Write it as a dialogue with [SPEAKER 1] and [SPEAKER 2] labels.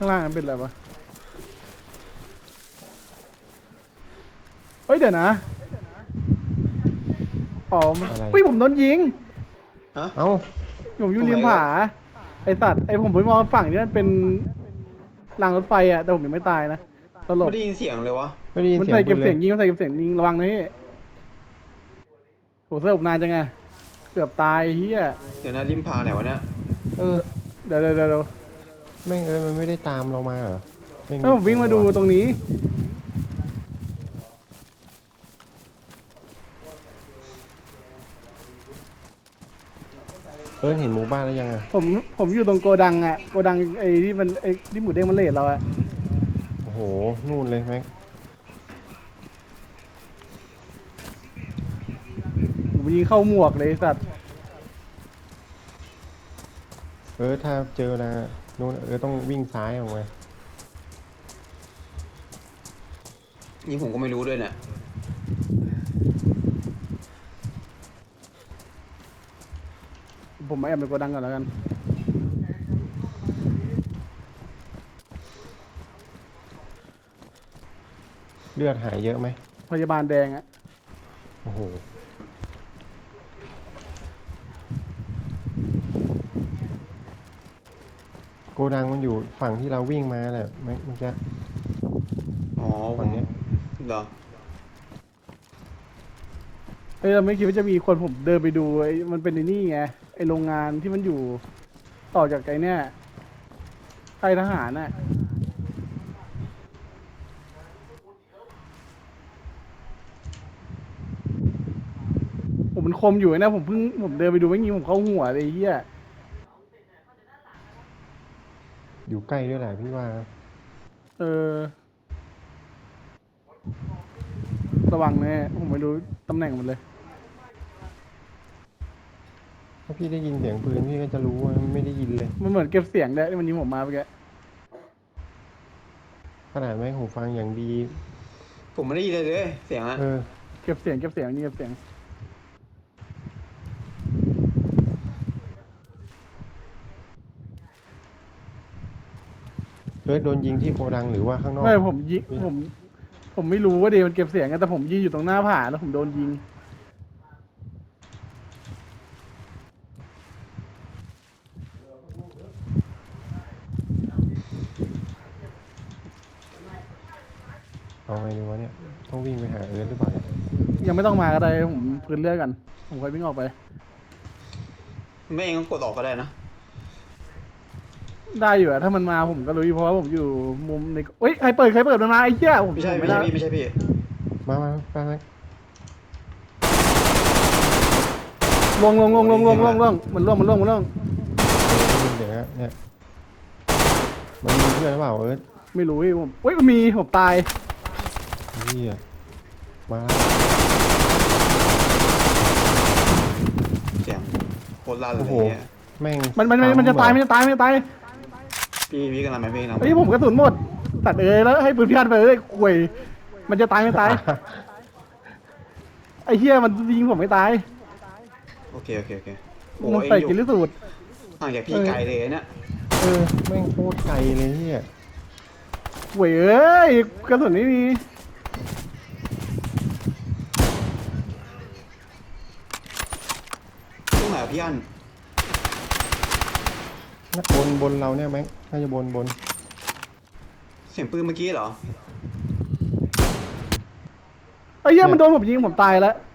[SPEAKER 1] างล่างมันเป็นอะไรวะเฮ้ยเดี๋ยวนะอ๋อมัน
[SPEAKER 2] อะไร
[SPEAKER 1] เฮ้ยผมโดนยิง
[SPEAKER 3] ฮะ
[SPEAKER 2] เอ้า
[SPEAKER 1] ผมอยู่ริมผาไอสัตว์ไอผมไปมองฝั่งนี้มันเป็นรางรถไฟอะแต่ผมยังไม่ตายนะตล
[SPEAKER 3] ไม่
[SPEAKER 1] ก
[SPEAKER 3] ได้ยินเสียงเลยวะ
[SPEAKER 2] ไม่ได้ยิน
[SPEAKER 1] มัน
[SPEAKER 2] เสียง
[SPEAKER 1] ใส่
[SPEAKER 2] ปื
[SPEAKER 1] เก็บ
[SPEAKER 2] นเล
[SPEAKER 1] เสีย
[SPEAKER 2] ย
[SPEAKER 1] งยิงมันใส่เก็บเสียงยิงระวังนะพี่โหสลบนานจังไงเกือบตายเฮีย
[SPEAKER 3] เดี๋ยวนะริมพาไหนวะเนี่ย
[SPEAKER 2] เออ
[SPEAKER 1] เดี๋ยว
[SPEAKER 2] แม่งมันไม่ได้ตามเรามาเหรอแม่ง
[SPEAKER 1] ถ้าผมวิ่งมาดูตรงนี้
[SPEAKER 2] เห็นหมู่บ้านแล้วยังอ่ะ
[SPEAKER 1] ผมอยู่ตรงโกดังอะโกดังไอ้ที่มันไอ้ที่หมูเด้งมันเลทเราอะ
[SPEAKER 2] โอ้โหนู่นเลยแม็ก
[SPEAKER 1] ผมยิงเข้าหมวกเลยไอ้สัตว์
[SPEAKER 2] ถ้าเจอนะนู่นต้องวิ่งซ้ายออกมา
[SPEAKER 3] นี่ผมก็ไม่รู้ด้วยเนี่ย
[SPEAKER 1] ผมมาแอบในโกดังก่อนแล้วกัน
[SPEAKER 2] เลือดหายเยอะไหม
[SPEAKER 1] พยาบาลแดงอะ
[SPEAKER 2] โอ้โหโกดังมันอยู่ฝั่งที่เราวิ่งมาแหละแม็กเมื่อกี้
[SPEAKER 3] อ๋อผ
[SPEAKER 2] ฝั่
[SPEAKER 3] ม
[SPEAKER 2] งเนี้ย
[SPEAKER 3] เหรอ
[SPEAKER 1] เราไม่คิดว่าจะมีคนผมเดินไปดูไอ้มันเป็นไอ้นี่ไงไอ้โรงงานที่มันอยู่ต่อจากไอ้เนี่ยค่ายทหารน่ะผมมันคมอยู่นะผมเดินไปดูไม่งี้ผมเข้าหัวเลยไอ้เฮีย
[SPEAKER 2] อยู่ใกล้ด้วยแหละพี่ว่า
[SPEAKER 1] เออระวังแน่ผมไม่รู้ตำแหน่งมันเลย
[SPEAKER 2] ถ้าพี่ได้ยินเสียงปืนพี่ก็จะรู้ว่าไม่ได้ยินเลย
[SPEAKER 1] มันเหมือนเก็บเสียงได้ที่มันยิงผมมาเมื่อกี้
[SPEAKER 2] ขนาดแม่งหูฟังอย่างดี
[SPEAKER 3] ผมไม่ได้ยินเลยเสียงอะ
[SPEAKER 1] เก็บเสียงยิงเก็บเสียง
[SPEAKER 2] โดนยิงที่โกดังหรือว่าข้างนอก
[SPEAKER 1] ไม่ผมยิงผมไม่รู้ว่าเดมันเก็บเสียงกันแต่ผมยืนอยู่ตรงหน้าผาแล้วผมโดนยิง
[SPEAKER 2] เอาไงดีวะเนี่ยต้องวิ่งไปหาหรือเปล่าเนี่ย
[SPEAKER 1] ยังไม่ต้องมาก็ได้ผมพื้นเลือดกันผมค่อยวิ่งออกไป
[SPEAKER 3] ไม่เองก็กดออกก็ได้นะ
[SPEAKER 1] ได้อยู่อะถ้ามันมาผมก็รู้อยู่เพราะว่าผมอยู่มุมในเฮ้ยใครเปิดมันมาไอ้เหี้ยผม
[SPEAKER 3] ไม่ใช่
[SPEAKER 1] ผม
[SPEAKER 3] ไม่
[SPEAKER 1] ไม่
[SPEAKER 3] ใช่
[SPEAKER 1] ได้
[SPEAKER 3] พี่ไม่ใช่พี่
[SPEAKER 2] มา
[SPEAKER 1] ลงมันล่วง
[SPEAKER 2] ได้ยินเสียงอะเนี่ยมันมีเพื่อนหรือเปล่า
[SPEAKER 1] ไม่รู้ผมเฮ้ยมันมีผมตาย
[SPEAKER 2] นี่อะมา
[SPEAKER 3] เสียงโคตรลั่นเล
[SPEAKER 2] โอ้
[SPEAKER 3] ย
[SPEAKER 2] โห
[SPEAKER 3] เนี่ย
[SPEAKER 2] แม่ง
[SPEAKER 1] มันจะตายมันจะตาย
[SPEAKER 3] พี่กำลังไปพี่กำลัง
[SPEAKER 1] เฮ้ยผมกระสุนหมดตัดแล้วให้ปืนพิฆาตไปเลยข่วยมันจะตายไม่ตายไอ้เหี้ยมันยิงผมไม่ตาย
[SPEAKER 3] โอเคโอ้
[SPEAKER 1] มัน
[SPEAKER 3] เอง
[SPEAKER 1] ใส่
[SPEAKER 3] อยู่
[SPEAKER 1] กินลิสูตร
[SPEAKER 3] ห่างจากพี่ไกลเลยเนี่ย
[SPEAKER 2] แม่งโคตรไกลเลยเนี่ย
[SPEAKER 1] ข่วยเอ้ยกระสุนไม่มี
[SPEAKER 3] ตรงไหนพี่อัน
[SPEAKER 2] บนเราเนี่ยแม็กน่าจะบน
[SPEAKER 3] เสียงปืนเมื่อกี้เหรอ
[SPEAKER 1] ไอ้เหี้ยมันโดนผมยิงผมตายแล้ว